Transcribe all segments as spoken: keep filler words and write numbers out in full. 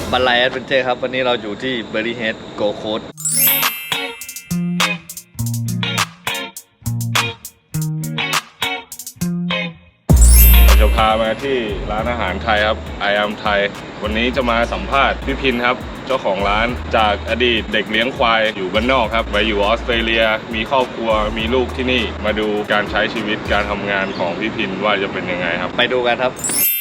บันไลแอดเวนเจอร์ครับวันนี้เราอยู่ที่เบอร์รี่เฮดโกโคสจะพามาที่ร้านอาหารไทยครับ I am Thai วันนี้จะมาสัมภาษณ์พี่พินครับเจ้าของร้านจากอดีตเด็กเลี้ยงควายอยู่บ้านนอกครับไปอยู่ออสเตรเลียมีครอบครัวมีลูกที่นี่มาดูการใช้ชีวิตการทำงานของพี่พินว่าจะเป็นยังไงครับไปดูกันครับ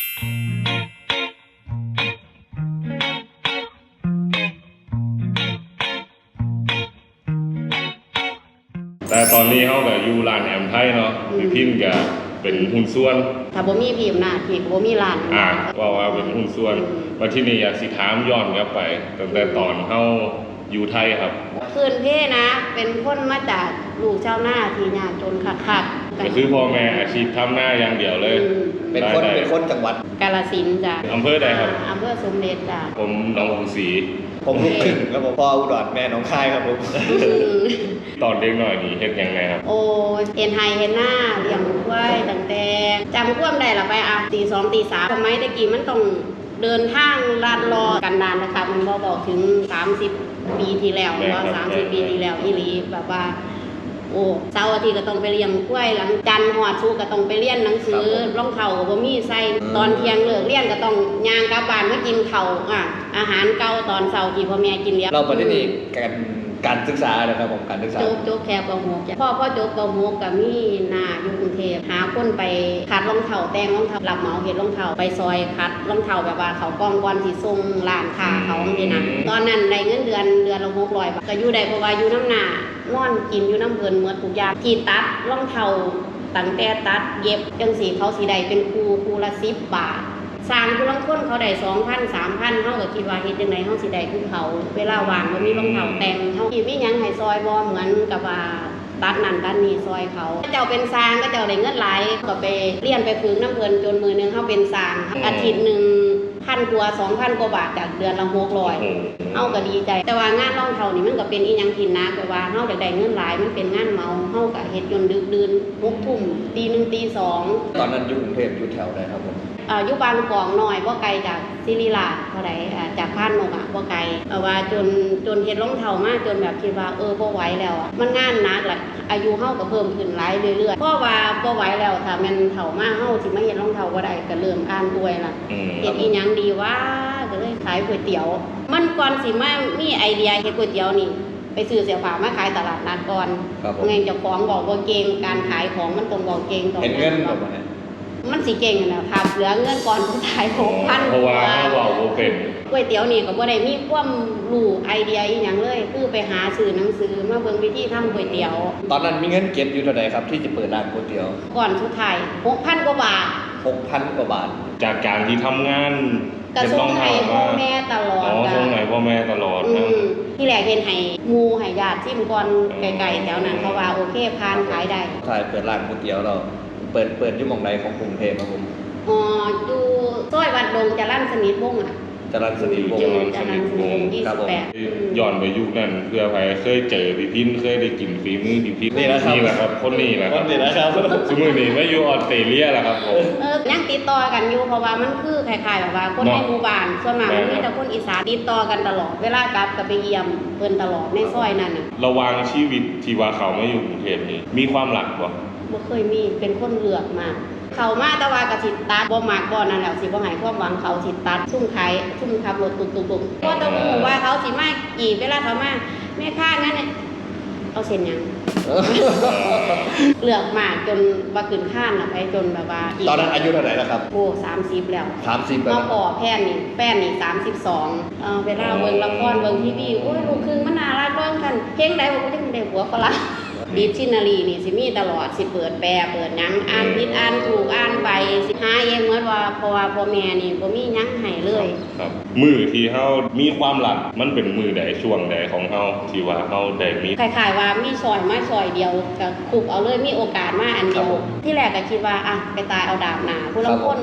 แต่ตอนนี้เขาแบบอยู่ร้านแอมไทยเนาะพี่พินกับเป็นหุ้นส่วนถ้าบ่มีพิมพ์นะพี่ก็บ่มีร้านอ่าว่าว่าเป็นหุ้นส่วนมาที่นี่อยากสิถามย้อนกลับไปตั้งแต่ตอนเฮาอยู่ไทยครับคืนเพ่นะเป็นคนมาจากลูกชาวนาที่ยากจนคักๆก็คือพ่อแม่อาชีพทำหน้าอย่างเดียวเลยเป็นคนเป็นคนจังหวัดกาฬสินธุ์จ้ะอำเภอใดครับอำเภอสมเด็จจ้ะผมหนองกรุงศรีผมลูกครึ่งแล้วผมพ่ออุดรแม่หนองคายครับผมตอนเด็กหน่อยนี่เฮ็ดยังไงครับโอ้เห็นไฮเห็นหน้าเลี้ยงควายตั้งแต่จำความได้ละไปอ่ะตีสองตีสามสมัยตะกี้มันต้องเดินทางลาดรอกันนานนะคะมันบ่บอกถึงสามสิบปีที่แล้วว่าสามสิบปีที่แล้วอีหลีแบบว่าโอ้เสาร์อาทิตย์ก็ต้องไปเลี้ยงกล้วยหลังจันทร์ฮอดศุกร์ก็ต้องไปเรียนหนังสือรองเท้าก็บ่มีใส่ตอนเที่ยงเลิกเรียนก็ต้องย่างกลับบ้านมากินข้าวอ่ะอาหารเก่าตอนเช้าที่พ่อแม่กินเลี้ยงเราประเด็นนี้การการศึกษานะครับผมการศึกษาจบจบแค่ป .หก จ้ะพ่อพ่อจบป .หก ก็มีหน้าอยู่กรุงเทพหาคนไปคัดรองเท้าแต่งรองเท้ารับเหมาเฮ็ดรองเท้าไปซอยคัดรองเท้าแบบว่าเขากองก่อนสิส่งร้านค้าเขาจังซี่นะตอนนั้นได้เงินเดือนเดือนละหกร้อยบาทก็อยู่ได้เพราะว่าอยู่น้ำหน้านอนกินอยู่น้ำเพิ่นหมดทุกอย่างที่ตัดรองเท้าตั้งแต่ตัดเย็บจังซี่เขาสิได้เป็นครูครูละสิบบาทสร้างผู้ลางคนเขาได้ สองพัน สามพัน เฮาก็คิดว่าเฮ็ดจังได๋เฮาสิได้คือเขาเวลาว่างบ่มีรองเท้าแต่งเฮาสิมีหยังให้ซอยบ่เหมือนกับว่าตัดนั่นตัดนี่ซอยเขาเจ้าเป็นสร้างก็เจ้าได้เงินหลายก็ไปเรียนไปฝึกน้ำเพิ่นจนมื้อนึงเฮาเป็นสร้างอาทิตย์นึงพันกว่า สองพัน กว่าบาทจากเดือนละหกร้อยเฮาก็ดีใจแต่ว่างานรองเท้านี่มันก็เป็นอีหยังที่หนักแบบว่าเฮาอยากได้เงินหลายมันเป็นงานเมาเฮาก็เฮ็ดจนดึกดื่นหกทุ่มตีหนึ่งตีสองตอนนั้นอยู่กรุงเทพอยู่แถวใดครับผมอ่าอยู่บางกอกน้อยบ่ไกลจากศิริราชเท่าใดอ่าจากพานนกอ่ะบ่ไกลเอาว่าจนจนเฮ็ดรองเท้ามาจนแบบคิดว่าเออบ่ไหวแล้วอ่ะมันงานหนักแหละอายุเฮาก็เพิ่มขึ้นหลายเรื่อยๆเพราะว่าบ่ไหวแล้วถ้าแม่นเฒ่ามาเฮาสิมาเฮ็ดรองเท้าบ่ได้ก็เริ่มอ่านป่วยล่ะเฮ็ดอีหยังดีวะก็เลยขายก๋วยเตี๋ยวมันก่อนสิมามีไอเดียเฮ็ดก๋วยเตี๋ยวนี่ไปซื้อเสื้อผ้ามาขายตลาดนัดก่อนไงเจ้าของบอกบ่เก่งการขายของมันต้องบอกเก่งต้องเห็นเงินแบบนี้มันสิเก่งนะถ้าเหลือเงินก่อนผู้ขาย หกพันเพราะว่าเฮาเว้าบ่เป็นก๋วยเตี๋ยวนี่ก็บ่ได้มีความรู้ไอเดียอีหยังเลยคือไปหาซื้อหนังสือมาเบิ่งวิธีทำก๋วยเตี๋ยวตอนนั้นมีเงินเก็บอยู่เท่าใดครับที่จะเปิดร้านก๋วยเตี๋ยวก่อนสุดท้าย หกพัน กว่าบาทหกพัน กว่าบาทจากการที่ทำงานก็ส่งให้พ่อแม่ตลอดอ๋อส่งให้พ่อแม่ตลอดนะที่แรกเฮ็ดให้หมู่ให้ญาติชิมก่อนไกลๆแถวนั้นเพราะว่าโอเคผ่านขายได้ขายเปิดร้านก๋วยเตี๋ยวเราเปิดเปิดอยู่หม่องใดของกรุงเทพครับผมอ๋ออยู่ซอยวัดดงจรัญสนิทวงศ์อ่ะจรัญสนิทวงศ์จรัญสนิทวงศ์ยี่สิบแปดย้อนไปยุคนั้นเพื่อใครเคยเจอพี่พินเคยได้กินฝีมือพี่พินนี่แหละครับนี่แหละครับคนนี้แหละครับนี่แหละครับสมัยนี้มาอยู่ออสเตรเลียแล้วครับผมเออยังติดต่อกันอยู่เพราะว่ามันคือคล้ายๆแบบว่าคนในหมู่บ้านส่วนมากมันมีแต่คนอีสานติดต่อกันตลอดเวลากลับก็ไปเยี่ยมเพิ่นตลอดในซอยนั้นน่ะระหว่างชีวิตที่ว่าเขามาอยู่กรุงเทพนี่มีความหลักบ่บ่เคยมีเป็นคนเลือกมากเขามาแต่ว่าก็สิตัดบ่มักบ่นั่นแหละสิบ่ให้ความหวังเขาสิตัดซุ่มขายซุ่มขับรถตุกๆๆเพราะต้องรู้ว่าเขาสิมากี่เวลาเขามาแม่ค้างั้นเนี่ยเอาเส้นหยังเลือกมากจนบ่ขึ้นคานน่ะไปจนแบบว่าตอนนั้นอายุเท่าไหร่แล้วครับโอ้สามสิบแล้วสามสิบแล้วมาพอแพนนี่แฟนนี่สามสิบสองเอ่อเวลาเบิ่งละครเบิ่งทีวีโอ้ยลูกครึ่งมันน่ารักเบิ่งกันเพลงใดบ่ก็จังได้หัวฝรั่งดิกชันนารีนี่สิมีตลอดสิเปิดแปลเปิดหยังอ่านผิดอ่านถูกอ่านไปสิหาเองเหมือนว่าเพราะว่าพ่อแม่นี่บ่มีหยังให้เลยครับมื้อที่เฮามีความหลักมันเป็นมื้อใดช่วงใดของเฮาที่ว่าเฮาได้มีคล้ายๆว่ามีซอยมาซอยเดียวก็คุบเอาเลยมีโอกาสมาอันเดียวที่แรกก็คิดว่าอ่ะไปตายเอาดาบหน้าผู้ลางคนผู้ลางคน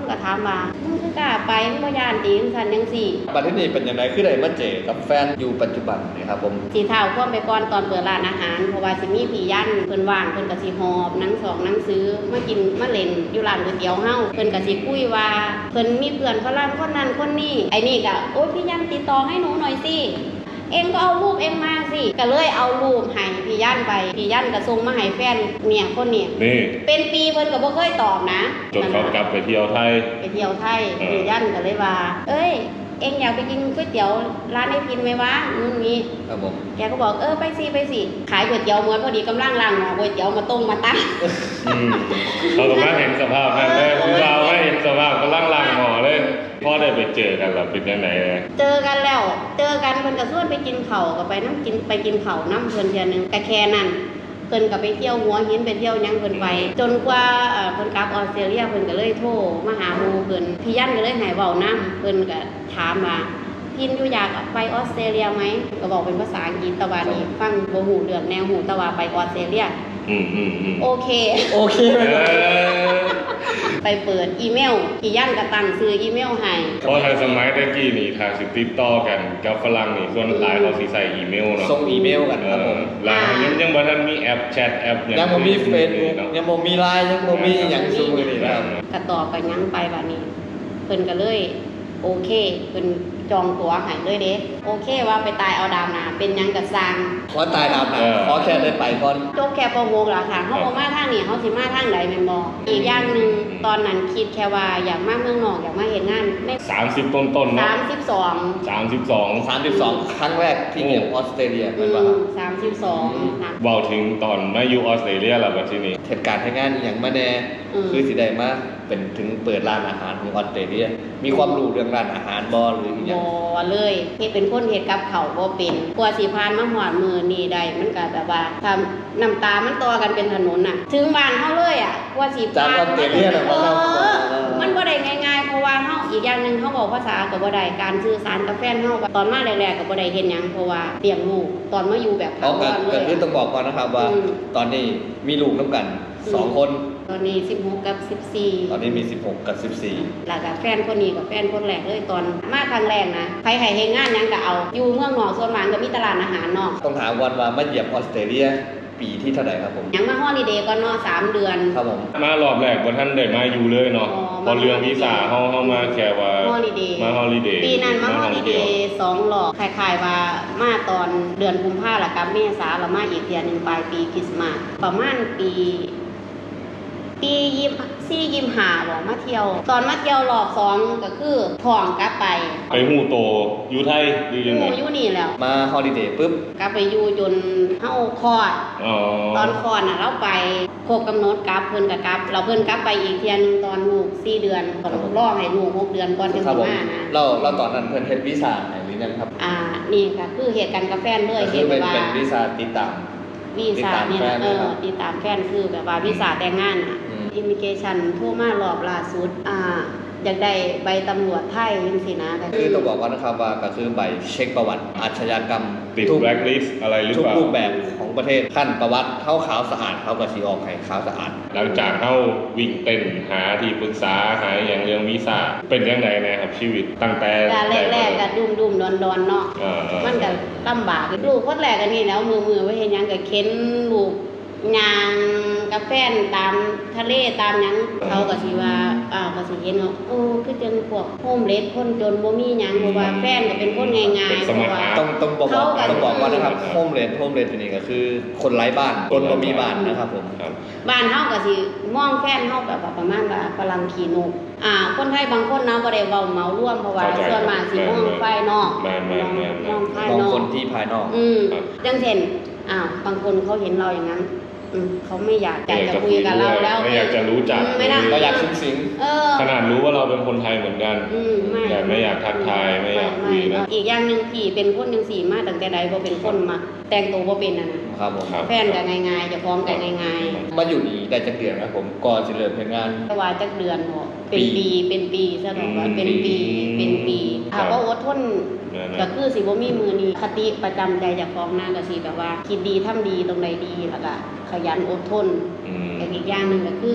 ก็ถามว่ามึงคือกล้าไปมึงบ่ย่านติจังซั่นจังซี่บัดนี้เป็นยังไงคือได้มาเจอกับแฟนอยู่ปัจจุบันนี่ครับผมสิเท้าความไปก่อนตอนเปิดร้านอาหารเพราะว่าสิมีพี่ยันเพิ่นว่างเพิ่นก็สิหอบหนังสองหนังซื้อมากินมาเล่นอยู่ร้านก๋วยเตี๋ยวเฮาเพิ่นก็สิคุยว่าเพิ่นมีเพื่อนฝรั่งคนนั้นคนนี้ไอ้นี่ก็โอ๊ยพี่ยันติดต่อให้หนูหน่อยสิเองก็เอารูปเองมาสิก็เลยเอารูปให้พี่ยันไปพี่ยันก็ส่งมาให้แฟนเนี่ยคนเนี่ยนี่เป็นปีเพิ่นก็บ่เคยตอบนะจนเขากลับไปเที่ยวไทยไปเที่ยวไทยเออพี่ยันก็เลยว่า เอ้ยเองอยากไปกินก๋วยเตี๋ยวร้านไอ้พินไหมวะนู่นนี่ครับผมแกก็บอกเออไปสิไปสิขายก๋วยเตี๋ยวเหมือนพอดีกำลังล้างหม้อก๋วยเตี๋ยวมาต้มมาตั้งอืมเขาก็มาเห็นสภาพนั่นเลยคือเราไม่เห็นสภาพก็ล่างล่างหมอเลยพ่อได้ไปเจอกันแล้วเป็นยังไงเลยเจอกันแล้ว เจอกันเพิ่นก็ชวนไปกินข้าวก็ไปน้ำกินไปกินข้าวน้ำเพิ่นเทื่อนึงก็แค่นั้นเพิ่นก็ไปเที่ยวหัวหินไปเที่ยวหยังเพิ่นไป จนกว่าเอ่อเพิ่นกลับออสเตรเลียเพิ่นก็เลยโทรมาหาหมู่เพิ่นพี่ยันก็เลยให้เว้านํเพิ่นก็ถามว่าพินอยู่อยากไปออสเตรเลียไหมก็บอกเป็นภาษาอังกฤษแต่ว่านี่ฟังบ่ฮู้เรื่องแนวฮู้แต่ว่าไปออสเตรเลียอืมอืมอืมโอเคโอเคไหมเอครับอไปเปิดอีเมลพี่ยันก็ตั้งซื้ออีเมลให้เพราะทางสมัยตะกี้นี่ทางสิติดต่อกันกับฝรั่งนี่ส่วนหลายเขาสิใส่อีเมลเนาะส่งอีเมลกันครับผมหลายยังยังบ่ทันมีแอปแชทแอปหยังบ่มีเฟซบุ๊กเนาะยังบ่มีไลน์ยังบ่มีหยังซุมื้อนี้นะครับก็ตอบกันยังไปบัดนี้ เพิ่นก็เลย โอเคเพิ่นจองตั๋วให้เลยเด้โอเคว่าไปตายเอาดาวนาเป็นหยังก็สร้างขอตายดามหนาขอแค่ได้ไปก่อนจบแค่ปหกล่ะค่ะเฮาบ่มาทางนี้เฮาสิมาทางใดแม่นบ่อีกอย่างหนึงตอนนั้นคิดแค่ว่าอยากมาเมืองนอกอยากมาเฮ็ดงานในสามสิบต้นต้นๆเนาะสามสิบสองสามสิบสองสามสิบสองครั้งแรกที่เยี่ยมออสเตรเลียอืเป็นป่ะครับมสามสิบสองนะเว้าถึงตอนมาอยู่ออสเตรเลียแล้วบัดทีนี้เหตุการณ์ให้งานอหย่างมาแน่อืมคือสิได้มาเป็นถึงเปิดร้านอาหารของออสเตรเลีย มีความรู้เรื่องร้านอาหารบ่หรืออหย่างบ่เลยเฮ็ดเป็นคนเฮ็ดกับข้าวบ่เป็นกว่าสิผ่านมาฮอดมื้อนี้ได้มันก็แบบว่าถ้าน้ำตามันต่อกันเป็นถนนน่ะ ถึงบ้านเฮาเลยอ่ะกว่าสิจากผ่านออสเตรเลียน่ะเอบ่ครับอมันบ่ได้ง่ายๆเพราะว่าเฮาอีกอย่างหนึงเฮาบอกภาษาก็บ่ได้การสื่อสารกับแฟนเฮาก็ตอนมาแรกๆก็บ่ได้เฮ็ดหยังเพราะว่าเลี้ยงลูกตอนมาอยู่แบบเอาถาก็วรเลก็ยคือต้องบอกก่อนนะครับว่าอืมตอนนี้มีลูกน้ำกันสองคนตอนนี้สิบหกกับสิบสี่ตอนนี้มีสิบหกกับสิบสี่แล้วก็แฟนคนนี้กับแฟนคนแรกเลยตอนมาครั้งแรกนะใครให้เฮ็ดงานหยังก็เอาอยู่เมืองนอกส่วนมากก็มีตลาดอาหารเนาะต้องถามวันว่ามาเหยียบออสเตรเลียปีที่เท่าไหร่ครับผมยังมาฮอลิเดย์ก่อนเนาะสามเดือนครับผมมารอบแรกบ่ทันได้มาอยู่เลยเนาะอ๋อพอเรื่องวีซ่าเฮาเฮามาแค่ว่าฮอลิเดย์มาฮอลิเดย์ปีนั้นมาฮอลิเดท่องที่ยวย์สองรอบคล้ายๆว่ามาตอนเดือนกุมภาพันธ์แล้วกับเมษาแล้วมาอีกเดือนหนึงปลายปีคริสต์มาสประมาณปี ปียี่สี่ยี่ห้าบอกมาเที่ยว ตอนมาเที่ยวรอบสองก็คือท้องกลับไปไปฮู้โตอยู่ไทยหรือยังหไงมู่อยู่นี่แล้วมาฮอลิเดย์ปุ๊บกลับไปอยู่จนเฮาคลอดอ๋อตอนคลอดน่ะเราไปครบกำหนดกลับเพิ่นก็กลับ เราเพิ่นกลับไปอีกเที่ยหนึงตอนลูกสี่เดือนต้องรอให้ลูกหกเดือนก่อนถึงครับสิผมมานะเราเราตอนนั้นเพิ่นเฮ็ดวีซ่าให้หรือยังครับอ่านี่ก็คือเหตุการณ์กับแฟนเลยก็เห็คือนเป็นว่าเป็นวีซ่าติดตามวีซ่าเนี่ยนะเออติดตามแฟนคือแบบว่าวีซ่าแต่งงานอ่ะอืมอิมิเกชันโทรมารอบล่าสุดอ่าอยากได้ใบตำรวจไทยจังซี่นะก็คือต้องบอกก่อนนะครับว่าก็คือใบเช็คประวัติอาชญากรรมติดทุกแบล็คลิสต์อะไรหรือทุกเปล่ารูปแบบของประเทศขั้นประวัติเท่าขาวสะอาดเขาก็สิออกให้ขาวสะอาดหลังจากเฮาวิ่งเต้นหาที่ปรึกษาหาอย่างเรื่องวีซ่าเป็นจังไดแน่ครับชีวิตตั้งแต่การแรกๆก็ดุมๆดอนๆเนาะเออๆมันก็ลำบากลูกคนแรกกันนี่แล้วมือมือไว้เห็นหยังก็เข็นลูกยางกับแฟนตามทะเลตามหยังเขาก็สิว่าอ่าก็สิเห็นว่าโอ้คือจังพวกโฮมเลสคนจนบ่มีหยังเพราะว่าแฟนก็เป็นคนง่ายๆเพราะว่าต้องต้องบอกว่าเขาก็ต้องบอกว่านะครับโฮมเลนโฮมเลนตัวนี้ก็คือคนไร้บ้านคนบ่มีบ้านนะครับผมครับบ้านเฮาก็สิมองแฟนเฮาแบบว่าประมาณว่าฝรั่งขี้นกอ่าคนไทยบางคนเนาะบ่ได้เว้าเหมารวมเพราะว่าเข้าใจส่วนมากสิมองภายนอกแม่นๆๆๆมองภายมองนอกคนที่ภายนอกอืมครับจังเช่นอ้าวบางคนเขาเห็นเราอย่างนั้นอืมเขาไม่อยากอยากจะคุยกับเราแล้วไม่อยากจะรู้จักอืมไม่ได้ก็อยากซึ้งสิงเออขนาดรู้ว่าเราเป็นคนไทยเหมือนกันอืมไม่แต่ไม่อยากทักทายไม่อยากคุยนะอีกอย่างหนึงพี่เป็นคนจังสี่มาตั้งแต่ใดบ่เป็นคนมาแต่งตัวบ่เป็นน่ะนะครับผมครับแฟนก็ง่ายๆเจะฟ้าของก็ง่ายมาอยู่นี่ได้จักเดือนครับผมก่อนสิเริ่มเฮ็ดงานๆแต่ว่าจักเดือนบ่เป็นปีปีเป็นปีซะดอกว่าอืมเป็นปีเป็นปีครัถ้าบบ่อดทนนั่นๆก็คือสิบ่มีมือนี้คติประจำใจเจากของหน้าก็สิแบบว่าคิดดีทำดีตรงใดดีแล้วก็ขยันอดทนอืมแต่อีกอย่างหนึ่งก็คือแฟ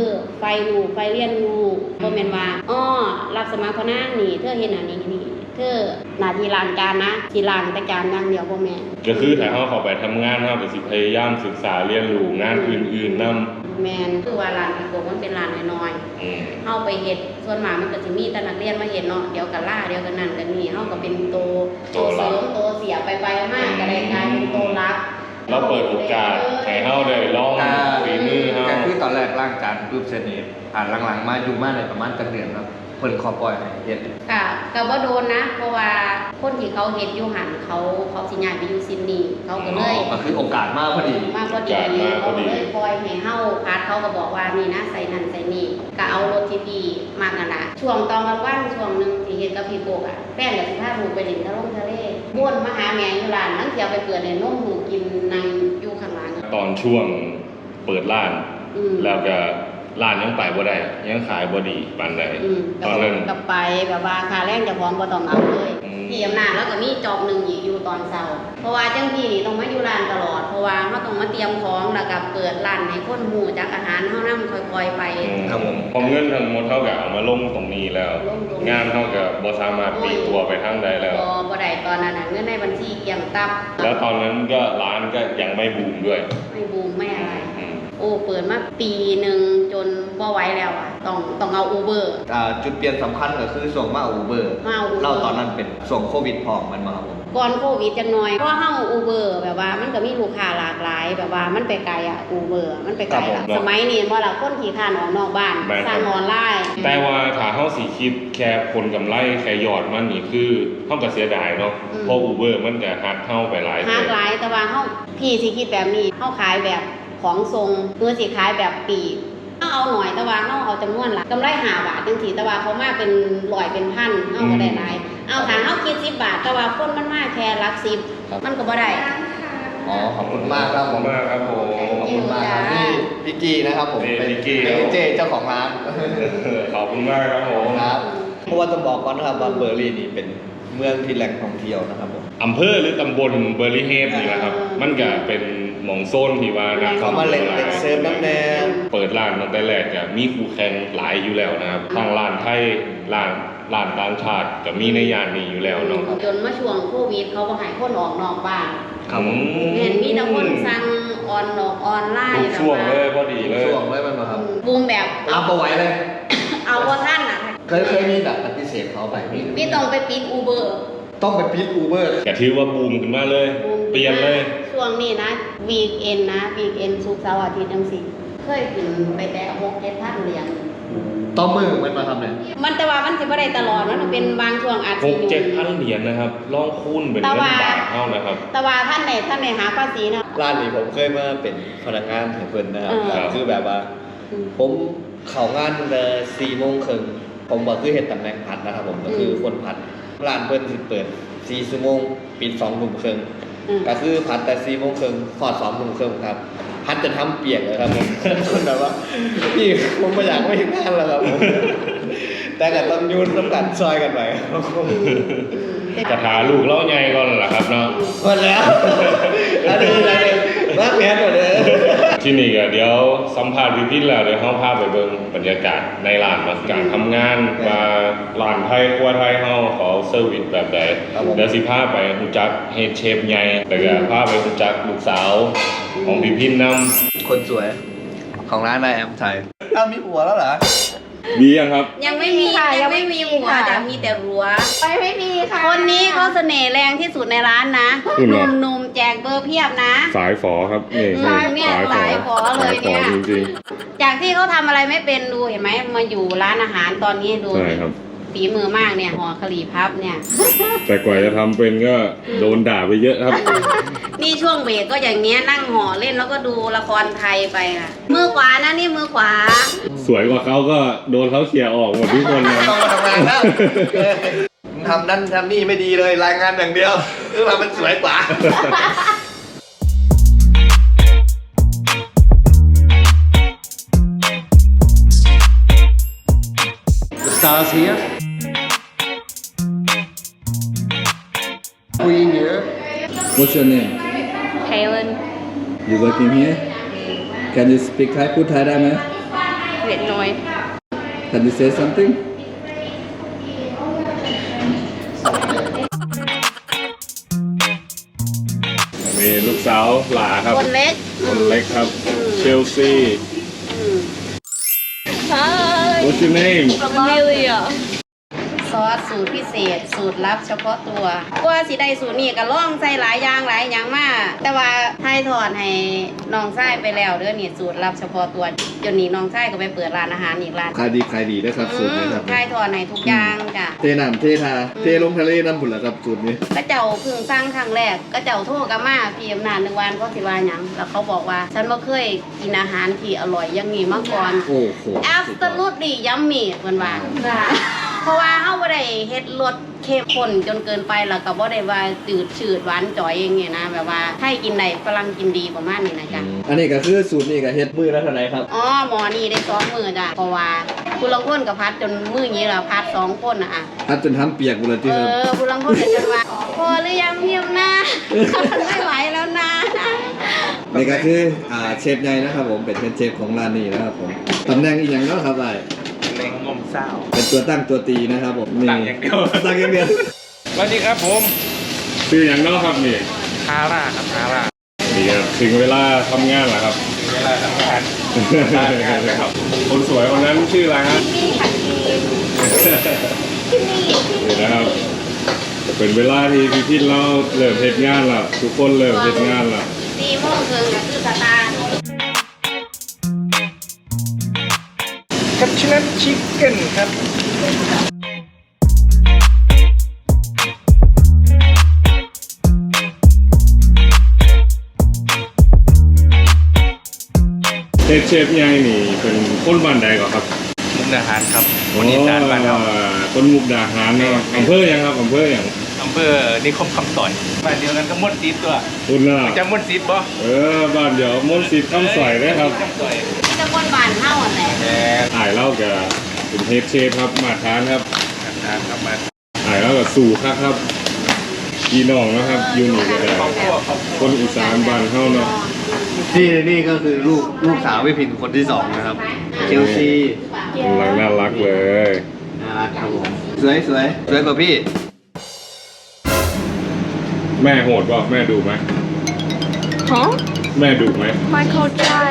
ฟรู้ไฟเรียนรู้บ่แม่นว่าอ้อรับสมัครพนักนี่เธอเฮ็ดอันนี้นี่เธอหน้าที่ล้างจานนะสิล้างแต่จานอย่างเดียวบ่แม่นก็คือถ้าเฮาเข้าไปทำงานเฮาก็สิพยายามศึกษาเรียนรู้งานอื่นๆนำแม่นคือว่าร้านพี่โกมันเป็นร้านน้อยอืมๆเฮาไปเฮ็ดส่วนมากมันก็สิมีแต่นักเรียนมาเฮ็ดเนาะเดี๋ยวก็ล่าเดี๋ยวก็นั่นก็นี่เฮาก็เป็นโตโตเสริมโตเสียไปไปมากก็ได้กลายเป็นโตรักเราเปิดโอกาสให้เฮาได้ลองฝีมือเฮาก็คือตอนแรกร่างจานปุ๊บเสร็จนี่อ่านหลังๆมาอยู่มาในประมาณจักเดือนครับเพิ่นขอปล่อยให้เฮ็ดค่ะก็บ่โดนนะ เพราะว่าคนที่เขาเฮ็ดอยู่หันเขาเขาสิย้ายไปอยู่ซิดนีย์เขาก็เลยก็คือโอกาสมากพอดีมากพอดีเขาก็เลยปล่อยให้เฮาพาร์ทเขาก็บอกว่านี่นะใส่นั่นใส่นี่ก็เอารถที่ดีมากนั่นล่ะช่วงตอนกลางวันช่วงหนึงที่เฮ็ดกับพี่โกกอ่ะแป้งก็สิพาลูกไปเล่นทะลงทะเลม่วนมาหาแม่อยู่ร้านนั่งเที่ยวไปเปิดให้นมลูกกินนั่งอยู่ข้างหลังตอนช่วงเปิดร้านอืมแล้วก็ร้านยังไปบ่ได้ยังขายบ่ดีปานใดอืมตอนนั้นกับไปแบบว่าค่าแรงเจ้าของบ่ต้องเอาเลยอืมที่อำนาจแล้วก็มีจอบหนึงอีกอยู่ตอนเช้าเพราะว่าจังพี่นี่ต้องมาอยู่ร้านตลอดเพราะว่าเฮาต้องมาเตรียมของแล้วก็เปิดร้านให้คนฮู้จักอาหารเฮานำค่อยๆไปครับผมพอเงินทั้งหมดเท่ากับเอามาลงตรงนี้แล้วลงตรงนี้งานเท่ากับบ่สามารถปลีกตัวไปทางใดแล้วบ่บ่ได้ตอนนั้นน่ะเงินในบัญชีเกรียงตับแล้วตอนนั้นก็ร้านก็ยังไม่บูมด้วยไม่บูมไม่อะไรอืมโอ้เปิดมาปีหนึ่งจนบ่ไหวแล้วอ่ะต้องต้องเอาอูเบอร์อ่าจุดเปลี่ยนสำคัญก็คือส่วงมาอูเบอร์มาเอา Uber เราตอนนั้นเป็นส่วงโควิดพร้อมมันมาครับผมก่อนโควิดจังหน่อยเพราะเฮาอูเบอร์แบบว่ามันก็มีลูกค้าหลากหลายแบบว่ามันไปไกลอ่ะอูเบอร์มันไปไกลครัละบผมสมัยนี้บ่ล่ะคนที่ข้านออกนอกบ้านแม่นครับสร้างออนไลน์แต่ว่าถ้าเฮาสิคิดแค่ผลกำไรแค่ยอดมันนี่คือเฮาก็เสียดายเนาะเพราะ Uber มันก็หักเฮาไปหลายหาเท่าหลายแต่ว่าเฮาพี่สิคิดแบบนี้เฮาขายแบบของทรงเพื่อสิขายแบบปีกเฮาเอาหน่อยแต่ว่าเฮาเอาจำนวนหลักกำไรห้าบาทจังซี่แต่ว่าเขามาเป็นร้อยเป็นพันเฮาก็ได้หลายเอาถ้าเฮาคิดสิบบาทแต่ว่าคนมันมาแค่หลักสิบมันก็บ่ได้อ๋อขอบคุณมากครับผมมากครับผมขอบคุณมากครับพี่พี่กี้นะครับผมนี่เป็นพี่กี้เป็นเจเจ้าของร้านขอบคุณมากครับผมครับเพราะว่าต้องบอกก่อนนะครับว่าเบอร์ลินนี่เป็นเมืองที่แหล่งท่องเที่ยวนะครับผมอำเภอหรือตำบลเบอร์รี่เฮดนี่แหละครับ มันก็เป็นหมองโซนที่ว่านักเขามาเล่นเด็กเซิร์ฟน้ำแดงเปิดร้านตั้งแต่แรกก็มีคู่แข่งหลายอยู่แล้วนะครับทางร้านไทยร้านร้านต่างชาติก็มีในย่านนี้อยู่แล้วเนาะจนมาช่วงโควิดเขาบ่ให้คนออกนอกบ้านครับผมเห็นมีแต่คนสั่งออนออกออนไลทุน์กช่วงเลยพอดีเลยช่วงเลยมันมาครับบูมแบบเอาไปไว้เลยเอาว่าท่านอ่ะเคยเคยมีแบบปฏิเสธเขาไปมีพี่ต้องไปปิดอูเบอร์ต้องไปปิดอูเบอร์ก็ถือว่าบูมขึ้นมาเลย เปลี่ยนเลยช่วงนี้นะวีคเอนนะวีคเอนศุกร์เสาร์อาทิตย์จังซี่เคยขึ้นไปแต่หกเจ็ดพันเหรียญต้องมือมันมาทำเนี่ยมันแต่ว่ามันสิบ่ได้ตลอดมันเป็นบางช่วงอาจหสิกเจ็ดพันเหรียญนะครับลองคูณเป็นแต่เงินว่าบาทเท่านะครับแต่ว่าท่านไหนท่านไหนหาภาษีนะร้านนี้ผมเคยมาเป็นพนักงานให้เพิ่นนะครับเออแล้วคือแบบว่า ผมเข้างานตั้งแต่สี่โมงครึ่งผมบอกคือเห็นตำแหน่งพัดนะครับผมก็คือคนพัดร้านเพิ่นสิเปิดสี่ชั่วโมงปิดสองทุ่มครึ่งอืมก็คือพัดแต่สี่โมงครึ่งขอดสองทุ่มครึ่งครับ พัดจนทำเปียกเลยครับผม คนแบบว่าพี่ผมไม่อยากไม่งานแล้วครับผม แต่ก็ต้องยุ่นต้องกัดซอยกันไปครับผมกระถาลูกเล่าใหญ่ก่อนล่ะครับเนาะหมดแล้ว อันนี้อันนี้รักแม่หมดเลยที่นี่ก็เดี๋ยวสัมภาษณ์พี่พินแล้วเดี๋ยวเฮาพาไปเบิ่งบรรยากาศในร้านมาการทำงานว่าร้านไทยครัวไทยเฮาเขาเซอร์วิสแบบใดครับผมเดี๋ยวสิพาไปฮู้จักเฮดเชฟใหญ่แล้วก็พาไปฮู้จักลูกสาวของพี่พินนำคนสวยของร้านนายแอมไทยอ้าวมีผัวแล้วเหรอมียังครับยังไม่มีค่ะยังไม่มีหัวแต่มีแต่รั้วไปไม่มีค่ะคนนี้เขาเสน่ห์แรงที่สุดในร้านนะอืมหนุ่มหนุ่มๆแจกเบอร์เพียบนะสายฝอครับนี่สายเนี่ยสายฝอเลยเนี่ยสาฝอจริงจากที่เขาทำอะไรไม่เป็นดูเห็นไหมมาอยู่ร้านอาหารตอนนี้ดูๆใช่ครับฝีมือมากเนี่ยห่อคลีพับเนี่ยแต่กว่าจะทำเป็นก็โดนด่าไปเยอะครับนี่ช่วงเบรกก็อย่างเงี้ยนั่งห่อเล่นแล้วก็ดูละครไทยไปค่ะมือขวานะนี่มือขวาสวยกว่าเขาก็โดนเขาเขี่ยออกหมดทุกคนเลยต้องมาทำงานแล้วเออมึงทำนั่นทำนี่ไม่ดีเลยรายงานอย่างเดียวคือทำมันสวยกว่า The stars here. Queen here. What's your name? Kaylin You working here? Can you speak Thai? พูดไทยได้ไหม Vietnam Can you say something มีลูกสาวหลาครับคนเล็กคนเล็กครับ เชลซี Hi. What's your name Amelia. ซอสสูตรพิเศษสูตรลับเฉพาะตัวกว่าสิได้สูตรนี้ก็ล่องใส่หลายอย่างหลายอย่างมากแต่ว่าไทยถอนให้น้องชายไปแล้วเด้อนี่สูตรลับเฉพาะตัวจนนี้น้องชายก็ไปเปิดร้านอาหารอีกร้านขายดีขายดีนะครับสูตรนี้ครับไทยถอนให้ทุกอย่างจ้ะเทน้ำเททาเทลงทะเลน้ำผุนละครับสูตรนี้ก็เจ้าเพิ่งสร้างครั้งแรกก็เจ้าโทรกับมาพี่อำนาจหนึ่งวันก็สิว่าหยังแล้วเขาบอกว่าฉันบ่เคยกินอาหารที่อร่อยอย่างนี้มาก่อนโอ้โห absolutely yummy เพิ่นว่า เพราะว่าเฮาบ่ได้เฮ็ดรสเข้มข้นจนเกินไปแล้วก็บ่ได้ว่าจืดชืดหวานจ่อยอย่างเงี้ยนะแบบว่าให้กินได้ฝรั่งกินดีประมาณนี้นะจ๊ะอันนี้ก็คือสูตรนี้ก็เฮ็ดมือละเท่าไหร่ครับอ๋อหมอนี่ได้สองมื้อจ้ะเพราะว่าผู้ลางคนก็พัดจนมื้อนี้ล่ะพัดสองคนน่ะอ่ะพัดจนทำเปียกหมดเลยเอที่ครับอผู้ลางคนก็จนว่าพอหรือยังเพียมนะ ไม่ไหวแล้วนะนี่ก็คืออ่าเชฟใหญ่นะครับผมเป็นเชฟของร้านนี้นะครับผมตำแหน่งอีกอย่างเนาะครับไอ้เล้งงมเศร้าเป็นตัวตั้งตัวตีนะครับผมนี่ตั้งอย่างเดียวตั้งอย่างเดียวสวัสดีครับผมชื่ออย่างเนอกครับนี่คาร่าครับคาร่านี่ครับถึงเวลาทำงานแล้วครับเวลาทำงานงานนะครับคนสวยคนนั้นชื่ออะไรฮะนี่นะครับเป็นเวลาที่พี่พินเราเริ่มเฮ็ดงานแล้วทุกคนเริ่มเฮ็ดงานแล้วสี่โมงครึ่งก็คือสตาร์ทคัตชินัทชิคเก้นครับเชฟเชฟใหญ่นี่เป็นคนบ้านใดก่อนครับมุกดาหารครับวันนี้จานบ้านเราอ๋อคนมุกดาหารเนาะอำเภอยังครับอำเภออย่างอำเภอนิคมคำต่อยบ้านเดียวกันก็มดซีดตัวคุณน่ะจำมดซีดปะเออบ้านเดี๋ยวมนต์สิทธิ์คำสอยได้ครับคำต่อยที่ตะบนบ้านเฮาอ่ะแหละแหมถ่ายเล่ากับเป็นเฮดเชฟครับมาทานครับทานครับมาถ่ายเล่ากับสู่ครับครับพี่น้องนะครับอยูนี่ก็ได้ครอบครัวครอบครัวคนอีสานบ้านเฮาเนาะนี่นี่ก็คือลูกลูกสาวพี่พินคนที่สองนะครับเชลซีกำลังน่ารักเลยน่ารักครับผมสวยสวยสวยกว่าพี่แม่โหดป่ะแม่ดูไหม Huh? แม่ดูไหม Michael Jai.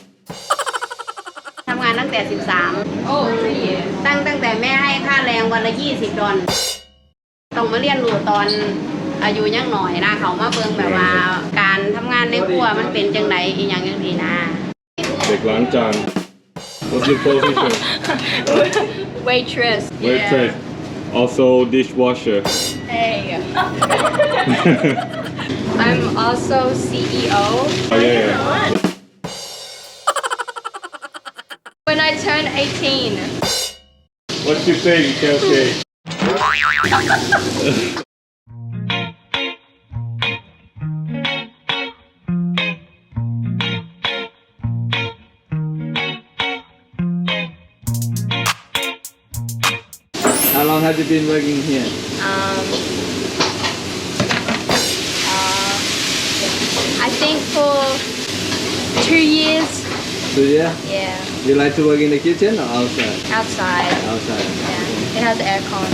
ทำงานตั้งแต่สิบสาม Oh, three years. ตั้งตั้งแต่แม่ให้ค่าแรงวันละยี่สิบดอลต้องมาเรียนรู้ตอนอายุยังหน่อยนะเขามาเบิ่งแบบว่า การทำงานในครัวมันเป็นจังไดอีหยังจังซี่นะเด็กล้างจาน What's your position Waitress. Waitress also dishwasher Hey. I'm also C E O. oh yeah, yeah. When I turn eighteen. What you think Chelsea How long have you been working here Um, uh, I think for two years. So yeah Yeah. you like to work in the kitchen or outside Outside. outside Yeah. It has aircon.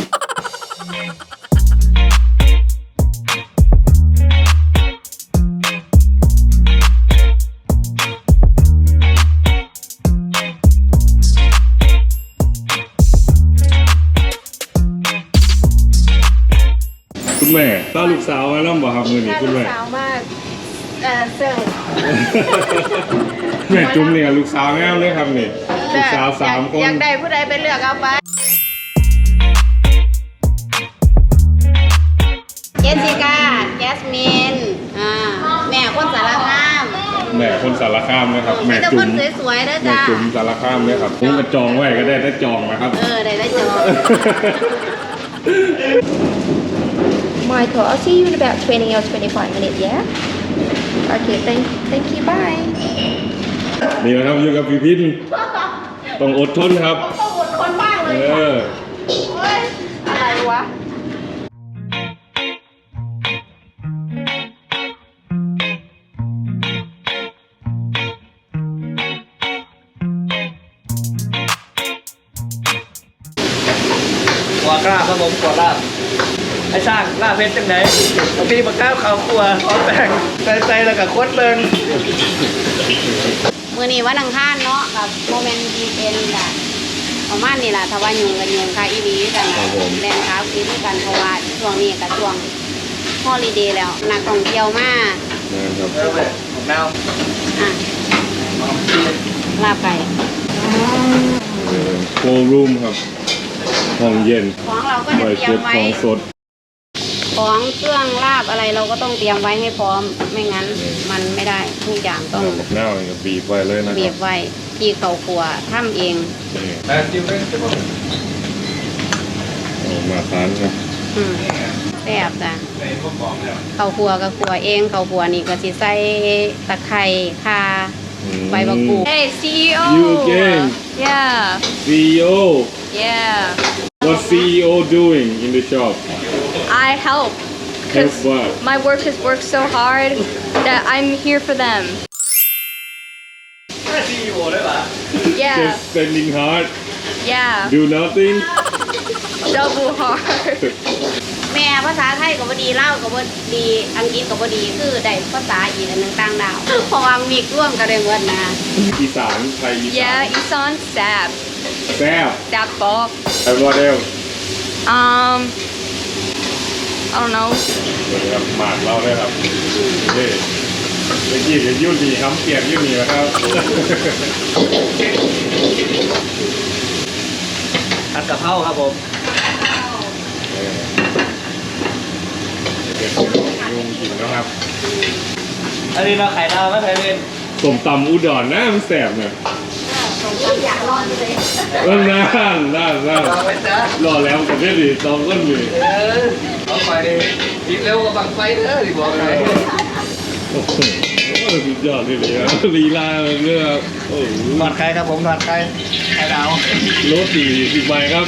คุณแม่ต้าลูกสาวมาแล้วบ่ครับมือนี้คุณแม่สาวมากเอ่อเซลแม่จุ๊มเนี่ยลูกสาวแง่เลยครับนี่ลูกสาวสามคนอยากได้ผู้ใดไปเลือกเอาไปเจสสิก้าแจสมินอ่าแม่คนสารคามแม่คนสารคามนะครับแม่มีแต่จุ๋คมนสวยๆเด้อแม่จ้าจุ๋มสารคามเลยครับผมก็จองไว้ก็ได้ได้จองนะครับเออได้ได้จบ Michael, I'll see you in about twenty or twenty-five minutes, yeah? Okay, thank, thank you, bye. นี่นะครับอยู่กับพี่พินต้องอดทนครับต้องอดทนมากเลยเออโอ๊ยอะไรวะ Um, วกล้าครับผมขวลาบไอ้สร้างลาบเพชรจังไหนพี่มาก้าวเขาครัวขอแต่งใจใจแล้วกับโคตรเบิงมื้อนี้วันอังคารเนาะกับโมเมนต์ดีเอ็นค่ะประมาณนี้ล่ะถ้าว่ายุงกันยุงค่ะอีหลีกันนะแรงขาคิดกันเพราะว่าช่วงนี้กับช่วงฮอลิเดย์แล้วนักท่องเที่ยวมานะครับเออแบบผมเน่าอ่ะลาบไก่โครูมครับห้องเย็นของเราก็จะไว้เตรียเก็มบไว้ของสดของเครื่องลาบอะไรเราก็ต้องเตรียมไว้ให้พร้อมไม่งั้นมันไม่ได้ทุกอย่างต้องหน้ากับบีบไว้เลยนะคเบีรัยบบไว้ที่เขาครัวทำเองนี่แต่จิ้มเป็นจิ้มเอามาทานครับอืมแซ่บจ้ะเขาครัวก็ครัวเองเขาครัวนี่ก็สิใส่ตะไคร้ข่าอืมใบมะกรูด Hey, C E O. You again? Yeah, ซี อี โอ yeah. What ซี อี โอ doing in the shop I help Help because what my workers work so hard that I'm here for them. ไม่ซีอีโอได้ปะ Yeah, Just spending hard yeah. Do nothing Double hard. แม่ภาษาไทยก็บ่ดีลาวก็บ่ดีอังกฤษก็บ่ดีคือได้ภาษาอีกอันหนึงต่างดาว เพราะว่ามีร่วมกันได้หมดนะอีสานไทยอีสาน Yeah, Isan Sab. แซ่บ Sab ball. And what else Um, I don't know. สวัสดีครับหมากเราเลยครับนี่เมื่อกี้เห็นยุ่นดีครับเปลี่ยนยุ่นดีนะครับผัดกะเพราครับผมเดี๋ยวผมลุงกินนะครับอันนี้เราไข่ดาวไม่เคยเล่นสมตำอุดรนะมันแสบเนี่ยอยากรอดเลยเออนั่นนั่นนั่นเราไปจ้ารอแล้วกับเนี่ยดิตองก้นอยู่เออเอาไปกินเร็วกว่าบังไฟเด้อดิบอกเลยโอ้โหสุดยอดเลยเลยครับลีลาเรื่องโอ้โหทอดไข่ครับผมทอดไข่ไข่ดาวรถสี่สิบใบครับ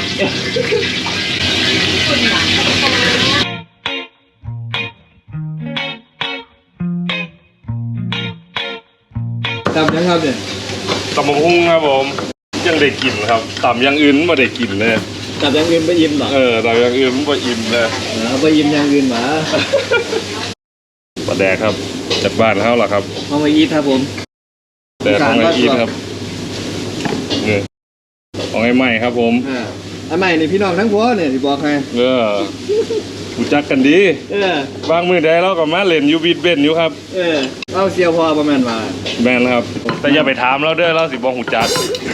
จำยังครับเนี่ยตำบักหุ่งครับผมยังได้กินครับตำอยังอื่นไม่ได้กินเลยจำยังอื่นไปอิ่มหรอเออตำอยังอื่นไม่อิ่มเลยเอาไปอิ่มยังอื่นหมาปลาแดกครับจากบ้านเขาหรอครับเอามาอีทครับผมแต่ของไออีทครับเนี่ยของไอ้ใหม่ครับผมอ่าอันใหม่นี่พี่น้องทั้งพวเนี่ยที่บอกให้เออรู้จักกันดีเออบางมือใดเราก็มาเล่นอยูบีดเบนอยู่ครับเออเอาเซียวพอประมาณมาแมนครับ แต่อย่าไปถามเราเด้อเราสิบอกหูจัก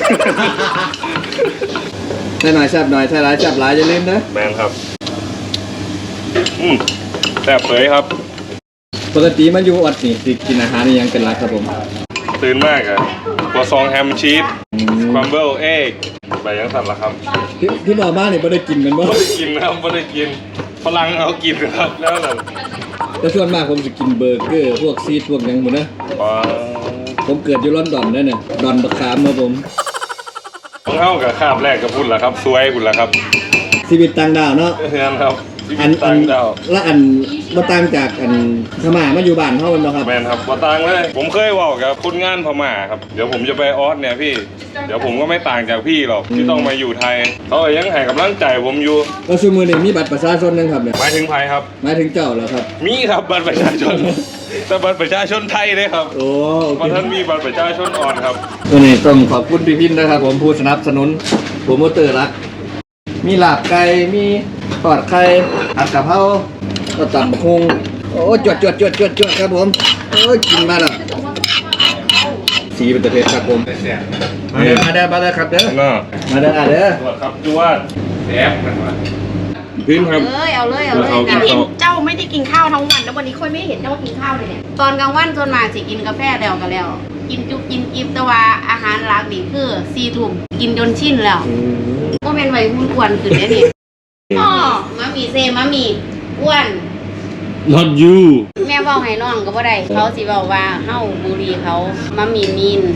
ใช่หน่อยแซ่บหน่อยใช่หลายแซ่บหลายอย่าลืมนะแมนครับอืมแซ่บเผยครับปกติมันอยู่อดนี่สิกินอาหารนี่ยังเป็นหลักครับผมตื่นมากอะครัวซองแฮมชีสครัมเบิลเอ็กไปยังสั่นละครับที่ที่บอกมาเนี่ยไม่ได้กินกันบ่ไม่ได้กินนะครับไม่ได้กินฝรั่งเอากินครับแล้วนั่นแต่ส่วนมากผมจะกินเบอร์เกอร์พวกซีดพวกหยังหมดนะว้าผมเกิดอยู่ลอนดอนนั่นน่ะดอนบักขามครับผมต้องเข้ากับคาบแรกกับพุ่นละครับสวยพุ่นละครับชีวิตต่างดาวเนาะเฮือนครับชีวิอันตอัต่าน งดาวละอันบ่ต่างจากอันพม่ามาอยู่บ้านเฮาแม่นบ่ครับแมนครับบ่ต่างเลย ผมเคยบอกกับคนงานพม่าครับ เดี๋ยวผมจะไปออสเนี่ยพี่ เดี๋ยวผมก็ไม่ต่างจากพี่หรอกที่ต้องมาอยู่ไทยเขาก็ยังให้กำลังใจผมอยู่แล้วซุมื้อนี้มีบัตรประชาชนยังครับเนี่ยหมายถึงไทยครับหมายถึงเจ้าเหรอครับมีครับบัตรประชาชน แต่บัตรประชาชนไทยเลยครับโอ้โอเพราะเคท่านมีบัตรประชาชนอ่อนครับวันนี้ต้องขอบคุณพี่พินนะครับผมผู้สนับสนุนโปรโมเตอร์รัก มีลาบไก่มีทอดไข่ผัดกะเพราก็ตำบักหุ่งโอ้จวดจวดจวดจวดจวดครับผมโอ้ยกินมาแล้วสีเป็นตะเพ็ดครับผมมาเด้อมาเด้อมาเด้อครับเด้อน่ามาเด้ออ่ะเด้อตรวจครับจวดแอบกันมาพื้นครับเอ้ยเอาเลยเอาเลยเอากินกันข้าวเจ้าไม่ได้กินข้าวทั้งวันแล้ววันนี้ค่อยไม่เห็นเจ้ากินข้าวเลยเนี่ยตอนกลางวันส่วนมากสิกินกาแฟแล้วก็แล้ว กินจุบกินกิบแต่ว่าอาหารหลักนี่คือสี่ทุ่มกินจนชินแล้วก็เป็นวัยรุ่นอ้วนขึ้นได้นี่อ๋อมามีเซมามีอ้วน not you แม่เว้าให้น้องก็บ่ได้เขาสิเว้าว่าเฮาบุรีเขามามีมีน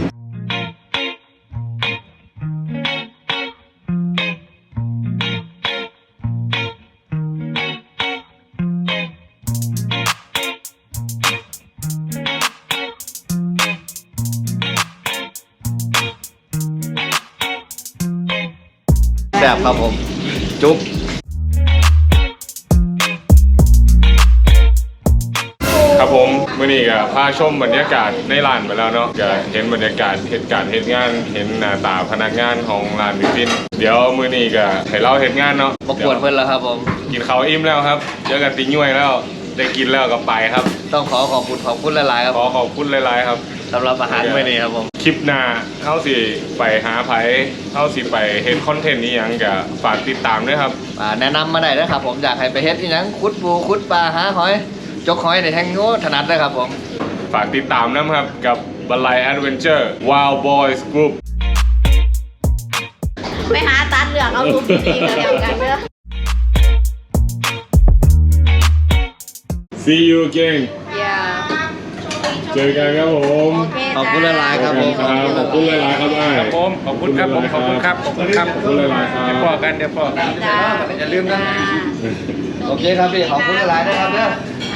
แซ่บครับผม จุ๊บมื่อนี้ก็พาชมบรรยากาศในร้านไปแล้วเนาะก็เห็นบรรยากาศเหตุการณ์เหตุงานเห็นหน้าตาพนักงานของร้านพี่พินเดี๋ยวมื้อนี้ก็ให้เราเหตุงานเนาะประกวดเพื่อนแล้วครับผมกินข้าวอิ่มแล้วครับเจอกันตีน่วยแล้วได้กินแล้วก็ไปครับต้องขอขอบคุณขอบคุณหลายๆครับขอขอบคุณหลายๆครับสำหรับอาหารมื้อนี้ครับผมคลิปหน้าเท่าสิไปหาไผเท่าสิไปเห็นคอนเทนต์นี้ยังก็ฝากติดตามด้วยครับอ่าแนะนำมาได้นะครับผมอยากให้ไปเฮ็ดที่ยังขุดปูขุดปลาหาหอยจกหอยในแทงโง่ถนัดเลยครับผมฝากติดตามนะครับกับบันไลแอดเวนเจอร์ Wild Boys Group ไปหาตัดเหลืองเอารูปดีๆกันแล้วกันเด้อ See you again อย่าเจอกันครับผมโอเคขอบคุณหลายๆครับผมครับขอบคุณหลายๆครับไอ้ผมขอบคุณครับผมขอบคุณครับขอบคุณครับขอบคุณหลายๆครับเดี๋ยวพอกันเดี๋ยวพอกันจ้าอย่าลืมนะ โอเคครับพี่ขอบคุณหลายๆนะครับเด้อค